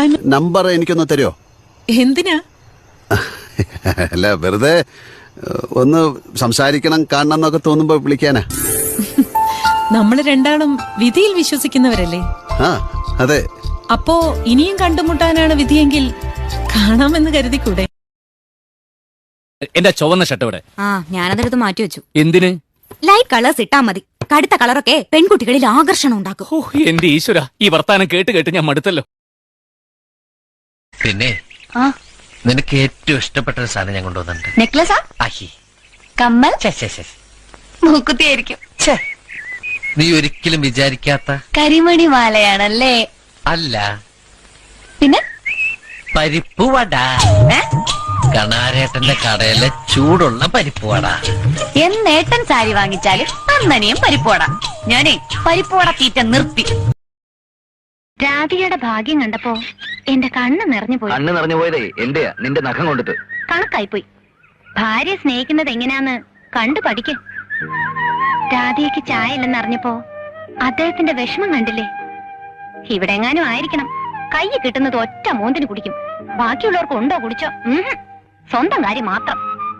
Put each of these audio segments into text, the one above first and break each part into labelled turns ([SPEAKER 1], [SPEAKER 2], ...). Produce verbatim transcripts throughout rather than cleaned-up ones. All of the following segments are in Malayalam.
[SPEAKER 1] നമ്പർ എനിക്കൊന്ന് തരുമോ?
[SPEAKER 2] എന്തിനാ?
[SPEAKER 1] അല്ല, വെറുതെ ഒന്ന് സംസാരിക്കണം, കാണണം എന്നൊക്കെ തോന്നുമ്പോ വിളിക്കാനാ.
[SPEAKER 2] നമ്മള് രണ്ടാളും വിധിയിൽ വിശ്വസിക്കുന്നവരല്ലേ?
[SPEAKER 1] ആ, അതെ.
[SPEAKER 2] അപ്പോ ഇനിയും കണ്ടുമുട്ടാനാണ് വിധിയെങ്കിൽ കാണാമെന്ന് കരുതിക്കൂടെ?
[SPEAKER 3] എന്റെ ചുവന്ന ഷർട്ട് ഇവിടെ.
[SPEAKER 4] ആ, ഞാനതെടുത്ത് മാറ്റി വെച്ചു.
[SPEAKER 3] എന്തിന്?
[SPEAKER 4] ലൈറ്റ് കളേഴ്സ് ഇട്ടാ മതി. കടുത്ത കളറൊക്കെ പെൺകുട്ടികളിൽ ആകർഷണം ഉണ്ടാക്കും.
[SPEAKER 3] ഓ, എന്റെ ഈശ്വര, ഈ വർത്താനം കേട്ട് കേട്ട് ഞാൻ മടുത്തല്ലോ.
[SPEAKER 5] പിന്നെ നിനക്ക് ഏറ്റവും ഇഷ്ടപ്പെട്ട ഒരു സാധനം ഞാൻ കൊണ്ടുവന്നിട്ടുണ്ട്.
[SPEAKER 4] നെക്ലസാ?
[SPEAKER 5] ആഹി,
[SPEAKER 4] കമ്മൽ?
[SPEAKER 5] മൂക്കുത്തിയായിരിക്കും. നീ ഒരിക്കലും വിചാരിക്കാത്ത
[SPEAKER 4] കരിമണി മാലയാണല്ലേ?
[SPEAKER 5] അല്ല,
[SPEAKER 4] പിന്നെ
[SPEAKER 5] പരിപ്പ് വട. കണാരേട്ടന്റെ കടയിലെ ചൂടുള്ള പരിപ്പ് വട.
[SPEAKER 4] എന്നേട്ടൻ സാരി വാങ്ങിച്ചാലും അന്നനെയും പരിപ്പോട. ഞാനേ പരിപ്പോട തീറ്റ നിർത്തി. രാധികയുടെ ഭാഗ്യം കണ്ടപ്പോ എന്റെ കണ്ണ് നിറഞ്ഞു പോയി.
[SPEAKER 6] കണ്ണ് നിറഞ്ഞു പോയതേ എന്റെയാ, നിന്റെ നഖം കൊണ്ടിട്ട്.
[SPEAKER 4] കണക്കായിപ്പോയി. ഭാര്യ സ്നേഹിക്കുന്നത് എങ്ങനെയാന്ന് കണ്ടു പഠിക്കും. രാധികയ്ക്ക് ചായ ഇല്ലെന്ന് അറിഞ്ഞപ്പോ അദ്ദേഹത്തിന്റെ വിഷമം കണ്ടില്ലേ? ഇവിടെ എങ്ങാനും ആയിരിക്കണം. കൈ കിട്ടുന്നത് ഒറ്റ മൂന്നിന് കുടിക്കും. ബാക്കിയുള്ളവർക്ക് ഉണ്ടോ കുടിച്ചോ? സ്വന്തം കാര്യം മാത്രം.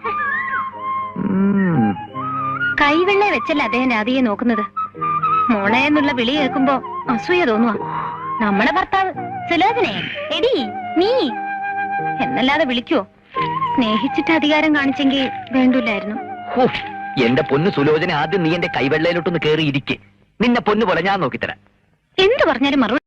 [SPEAKER 4] കൈവെള്ളയെ വെച്ചല്ല അദ്ദേഹം രാധികയെ നോക്കുന്നത്. മോളെ എന്നുള്ള വിളി കേൾക്കുമ്പോ അസൂയ തോന്നുക. നമ്മുടെ ഭർത്താവ് സുലോചനെ, എടി നീ എന്നല്ലാതെ വിളിക്കുവോ? സ്നേഹിച്ചിട്ട് അധികാരം കാണിച്ചെങ്കിൽ വേണ്ടില്ലായിരുന്നു.
[SPEAKER 6] എന്റെ പൊന്നു സുലോചന, ആദ്യം നീ എന്റെ കൈവെള്ളയിലോട്ടൊന്ന് കേറിയിരിക്കെ. നിന്നെ പൊന്നു പോലെ ഞാൻ നോക്കിത്തരാം.
[SPEAKER 4] എന്ത് പറഞ്ഞാലും മറുപടി